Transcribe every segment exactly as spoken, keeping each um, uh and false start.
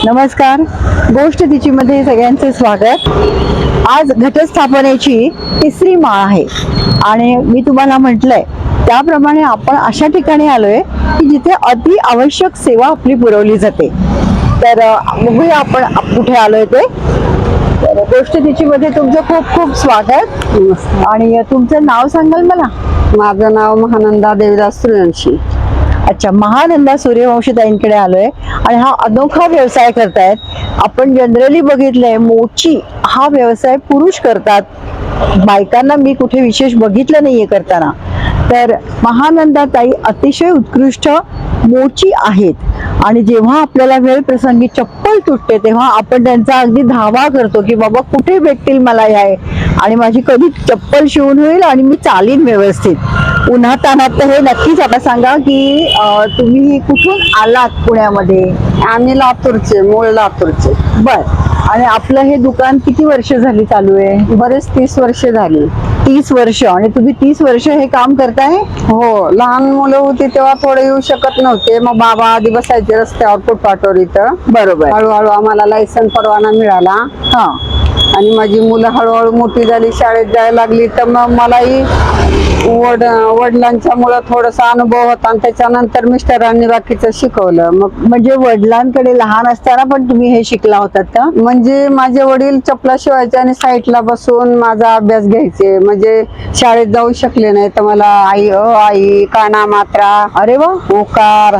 नमस्कार, गोष्ट तिची मध्ये सगळ्यांचे स्वागत। आज घटस्थापनेची तिसरी माळ आहे आणि मी तुम्हाला म्हटलंय त्याप्रमाणे आपण अशा ठिकाणी आलोय की जिथे अति आवश्यक सेवा आपली पुरवली जाते। तर बघूया आपण कुठे आलोय ते। तर गोष्ट तिची मध्ये तुमचं खूप खूप स्वागत। आणि तुमचं नाव सांगाल मला? माझं नाव महानंदा देवीदास सूर्यवंशी। अच्छा, महानंदा सूर्यवंशी ताईंकडे आलोय आणि हा अनोखा व्यवसाय करतायत। आपण जनरली बघितलंय मोची हा व्यवसाय पुरुष करतात, बायकांना मी कुठे विशेष बघितलं नाहीये करताना। तर महानंदा ताई अतिशय उत्कृष्ट मोची आहेत आणि जेव्हा आपल्याला वेळ प्रसंगी चप्पल तुटते तेव्हा आपण त्यांचा अगदी धावा करतो की बाबा कुठे भेटतील मला हे आणि माझी कधी चप्पल शिवून होईल आणि मी चालीन व्यवस्थित उन्हात तानात। तर हे नक्कीच आता सांगा की तुम्ही कुठून आलात पुण्यामध्ये? आम्ही लातूरचे, मूळ लातूरचे। बर, आणि आपलं हे दुकान किती वर्ष झाली चालू आहे? बरेच तीस वर्ष झाली। तीस वर्ष? आणि तुम्ही तीस वर्ष हे काम करताय? हो, लहान मुलं होती तेव्हा थोडे येऊ शकत नव्हते, मग बाबा आधी बसायचे रस्त्यावर फुटपाथवर इथं। बरोबर। हळूहळू आम्हाला लायसन परवाना मिळाला। हा, आणि माझी मुलं हळूहळू मोठी झाली, शाळेत जायला लागली, तर मग मलाही वड वडिलांच्या मुळे थोडासा अनुभव होता आणि त्याच्यानंतर मिस्टरांनी बाकीचं शिकवलं। मग म्हणजे वडिलांकडे लहान असताना पण तुम्ही हे शिकला होतात का? म्हणजे माझे वडील चपला शिवायचे आणि साईडला बसून माझा अभ्यास घ्यायचे। म्हणजे शाळेत जाऊ शकले नाही तर मला आई अ आई काना मात्रा, अरे वा, ओकार,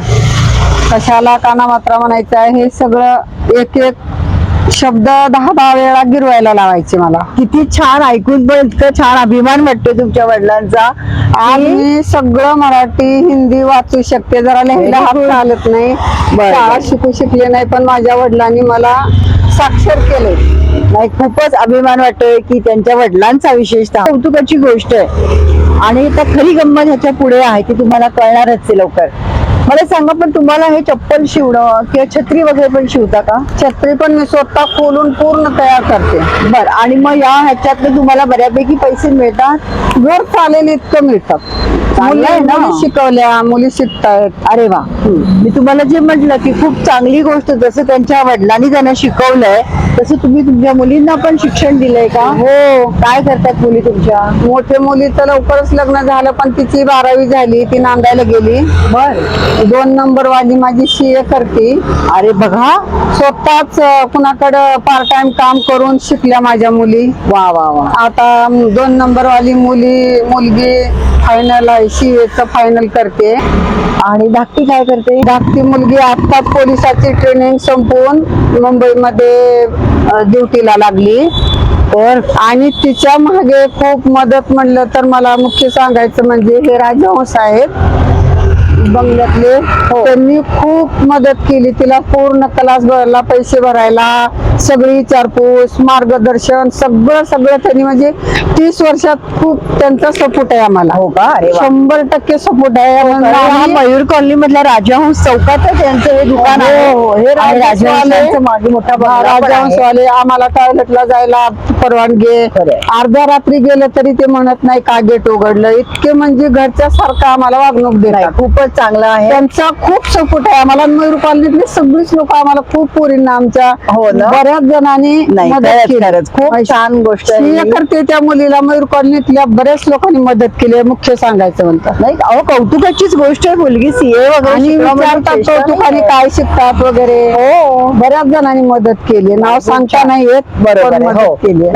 कशाला काना मात्रा म्हणायचं आहे हे सगळं एक एक शब्द दहा दहा वेळा गिरवायला लावायचे मला। किती छान, ऐकून पण इतकं छान अभिमान वाटतो तुमच्या वडिलांचा। आज मी सगळं मराठी हिंदी वाचू शकते, जरा लिहायला हात चालत नाही, शाळा शिकू शकले नाही, पण माझ्या वडिलांनी मला साक्षर केले। नाही, खूपच अभिमान वाटतोय की त्यांच्या वडिलांचा विशेषतः कौतुकाची गोष्ट आहे। आणि आता खरी गंमत ह्याच्या पुढे आहे ती तुम्हाला कळणारच आहे लवकर। मला सांगा, पण तुम्हाला हे चप्पल शिवणं किंवा छत्री वगैरे पण शिवता का? छत्री पण मी स्वतः खोलून पूर्ण तयार करते। बर, आणि मग या ह्याच्यात तुम्हाला बऱ्यापैकी पैसे मिळतात? घर चालेल इतकं मिळतात। चांगलंय ना, मुली शिकवल्या, मुली शिकतायत। अरे वा, मी तुम्हाला जे म्हटलं की खूप चांगली गोष्ट, जसं त्यांच्या वडिलांनी त्यांना शिकवलंय तसं तुम्ही तुमच्या मुलींना पण शिक्षण दिलंय का? हो। काय करतात मुली तुमच्या? मोठे मुलीचं लवकरच लग्न झालं, पण तिची बारावी झाली, ती नांदायला गेली। बर, दोन नंबर वाली माझी सी ए करते। अरे बघा, स्वतःच कुणाकडं पार्ट टाइम काम करून शिकल्या माझ्या मुली। वा वा वा। आता दोन नंबर वाली मुली मुलगी फायनल आहे, सी एचं फायनल करते। आणि धाकटी काय करते? धाकटी मुलगी आता पोलिसाची ट्रेनिंग संपवून मुंबईमध्ये ड्युटीला लागली। तर आणि तिच्या मागे खूप मदत म्हणलं तर मला मुख्य सांगायचं म्हणजे हे राजहंस आहेत बंगल्यातले, त्यांनी खूप मदत केली तिला, पूर्ण क्लास भरायला, पैसे भरायला, सगळी विचारपूस, मार्गदर्शन, सगळं सगळं त्यांनी, म्हणजे तीस वर्षात खूप त्यांचा सपोर्ट आहे आम्हाला। हो का? अरे वा, शंभर टक्के सपोर्ट आहे। हा मयूर कॉलनी मधला राजहंस चौकातच यांचं हे दुकान आहे। हो, हे राजहंसांचं मागे मोठा बंगला पण आहे। राजहंसवाले आम्हाला टॉयलेटला जायला परवानगी, अर्ध्या रात्री गेलं तरी ते म्हणत नाही का गेट उघडलं, इतके म्हणजे घरच्या सारखं आम्हाला वागणूक देतात। खूपच चांगला आहे त्यांचा खूप सपोर्ट आहे आम्हाला। मयूर कॉलनीतले सगळीच लोक आम्हाला खूप पोरींना आमच्या, हो ना, बऱ्याच जणांनी मदत केली। खूप छान गोष्ट आहे। करते त्या मुलीला मयूर कॉलनीतल्या बऱ्याच लोकांनी मदत केली, मुख्य सांगायचं म्हणतात। नाही, अहो कौतुकाचीच गोष्ट आहे, मुलगी सीए वगैरे विचारतात कौतुकाने काय शिकतात वगैरे। हो, बऱ्याच जणांनी मदत केली, नाव सांगता नाही येत, बरोबर मदत केली।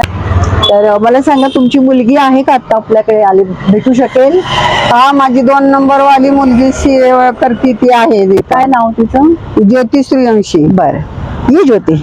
तर मला सांगा, तुमची मुलगी आहे का आता आपल्याकडे आली, भेटू शकेल? हा, माझी दोन नंबर वाली मुलगी सी ए करती, ती आहे। काय नाव तिचं? ज्योती सूर्यवंशी। बर, ये ज्योती,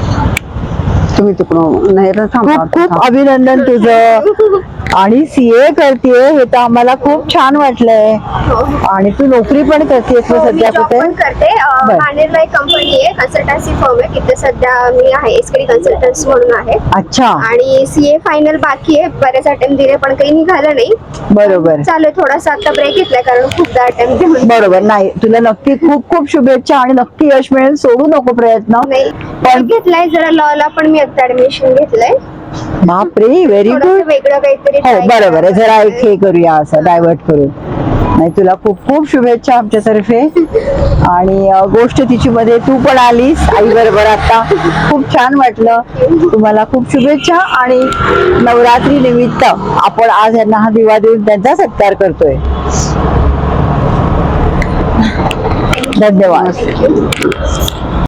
तुम्ही तिकडून नाही, खूप खूप अभिनंदन तुझं। आणि सीए करतेय हे तर आम्हाला खूप छान वाटलंय। आणि तू नोकरी पण करतेस सध्या कुठे? करते, मानेरला एक कंपनी आहे, कन्सल्टन्सी फर्म आहे, तिथे सध्या मी आहे एसकेडी कन्सल्टन्सी म्हणून आहे। अच्छा, आणि सीए फायनल बाकी आहे, बरेच अटेम्प्ट दिले पण काही निघालं नाही। बरोबर, चालू थोडासा आता ब्रेक घेतलाय कारण खूपदा अटेम्प्ट देऊन। बरोबर, नाही तुला नक्की खूप खूप शुभेच्छा आणि नक्की यश मिळेल, सोडू नको प्रयत्न। नाही, पण घेतलाय जरा लॉला, पण मी आता ऍडमिशन घेतलंय। बापरे, व्हेरी गुड, वेगळं काहीतरी हो बरोबर आहे, जरा एक हे करूया, असं डायव्हर्ट करू। आणि तुला खूप खूप शुभेच्छा आमच्यातर्फे. आणि अ, गोष्ट तिची मध्ये तू पण आलीस आई बरोबर आता, खूप छान वाटलं. तुम्हाला खूप शुभेच्छा. आणि नवरात्री निमित्त आपण आज यांना हा दिवा देऊन त्यांचा सत्कार करतोय. धन्यवाद.